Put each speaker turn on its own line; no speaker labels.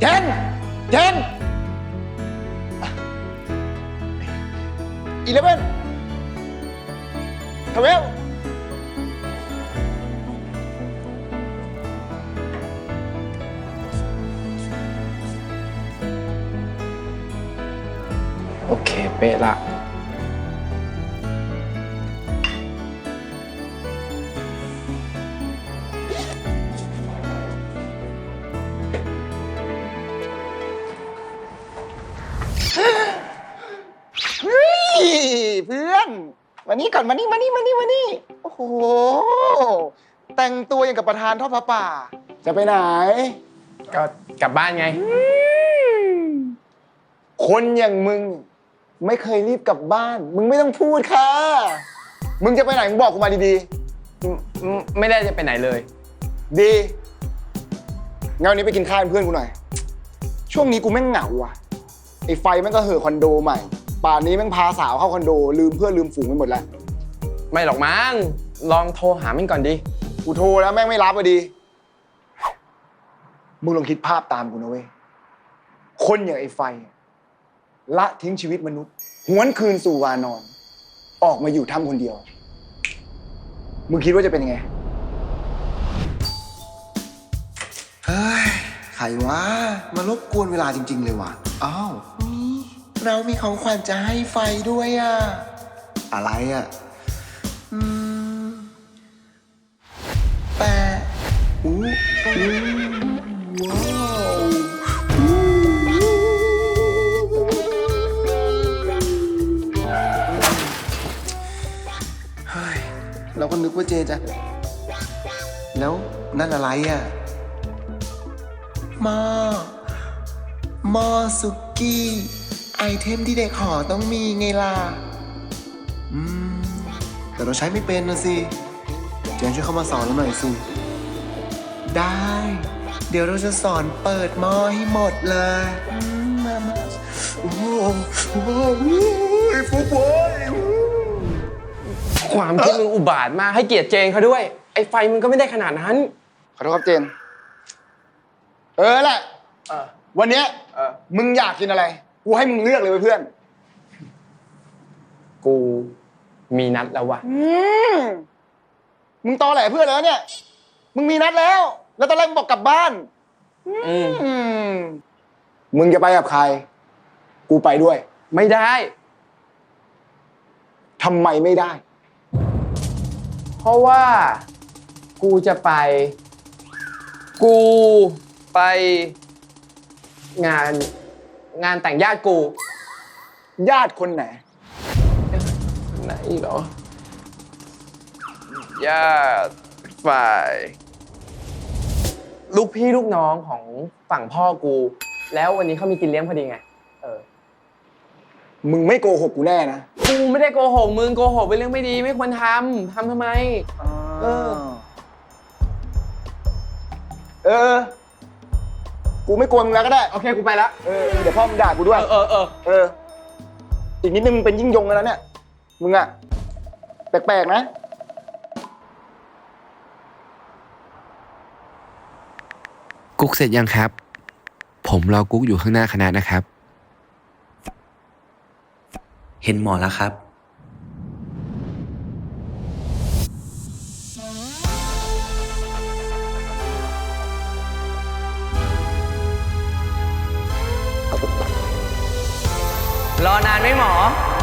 น11 12
โอเคเป๊ะละ
เฮ้ยเพื่อนมานี่ก่อนมานี่โอ้โหแต่งตัวอย่างกับประธานทอดผ้าป่าจะไปไหน
ก็กลับบ้านไง
คนอย่างมึงไม่เคยรีบกลับบ้าน มึงไม่ต้องพูดค่ะ มึงจะไปไหนมึงบอกกูมาดี
ไม่ได้จะไปไหนเลย
ๆ ดีงั้นวันนี้ไปกินข้าวเป็นเพื่อนกูหน่อย ช่วงนี้กูแม่งเหงาว่ะไอ้ไฟแม่งก็เห่อคอนโดใหม่ ป่านนี้แม่งพาสาวเข้าคอนโดลืมเพื่อนลืมฝูงไปหมดแล้ว
ไม่หรอกมั้งลองโทรหามันก่อนดิ
กูโทรแล้วแม่งไม่รับอะดีมึงลองคิดภาพตามกูนะเว้ยคนอย่างไอ้ไฟละทิ้งชีวิตมนุษย์หวนคืนสู่วานอน ออกมาอยู่ถ้ำคนเดียว มึงคิดว่าจะเป็นยังไง
เฮ้ยใครวะมารบกวนเวลาจริง ๆ เลยว่ะ อ้าวเรามีของขวัญจะให้ไฟด้วยอ่ะ อะไรอ่ะ แต่อู้ว้าวเฮ้ยเราก็นึกว่าเจจะแล้วนั่นอะไรอ่ะ หม้อสุกี้ ไอเทมที่เด็กหอต้องมีไงล่ะ แต่เราใช้ไม่เป็นนะสิ เจนช่วยเข้ามาสอนเราหน่อยสิ ได้ เดี๋ยวเราจะสอนเปิดหม้อให้หมดเลยมาโอ้โหฟุกโว้ย
ความคิดมึงอุบาทมากให้เกียรติเจนเขาด้วย ไอ้ไฟมึงก็ไม่ได้ขนาดนั้น
ขอโทษครับเจน แหละ วันเนี้ยมึงอยากกินอะไร กูให้มึงเลือกเลยเว้ยเพื่อน
กูมีนัดแล้ววะ
มึงตอแหลเพื่อนแล้วเนี่ย มึงมีนัดแล้ว แล้วตอนแรกมึงบอกกลับบ้าน มึงจะไปกับใคร กูไปด้วย
ไม่ได้
ทำไมไม่ได้
เพราะว่ากูจะไป กูไปงานแต่งญาติกู
ญาติคนไหน
ไหนเหรอ ญาติฝ่าย ลูกพี่ลูกน้องของฝั่งพ่อกู แล้ววันนี้เขามีกินเลี้ยงพอดีไง
มึงไม่โกหกกูแน่นะ
กูไม่ได้โกหกมึงโกหกเป็นเรื่องไม่ดีไม่ควรทำทำไม
กูไม่กลัวมึงแล้วก็ได้
โอเคกูไปละ
เดี๋ยวพ่อมึงด่ากูด้วย อีกนิดนึงมึงเป็นยิ่งยงกันแล้วเนี่ย มึงอะแปลกๆนะ
กุ๊กเสร็จยังครับ ผมรอกุ๊กอยู่ข้างหน้าคณะนะครับ
เห็นหมอแล้วครับ
รอนานไหมหมอ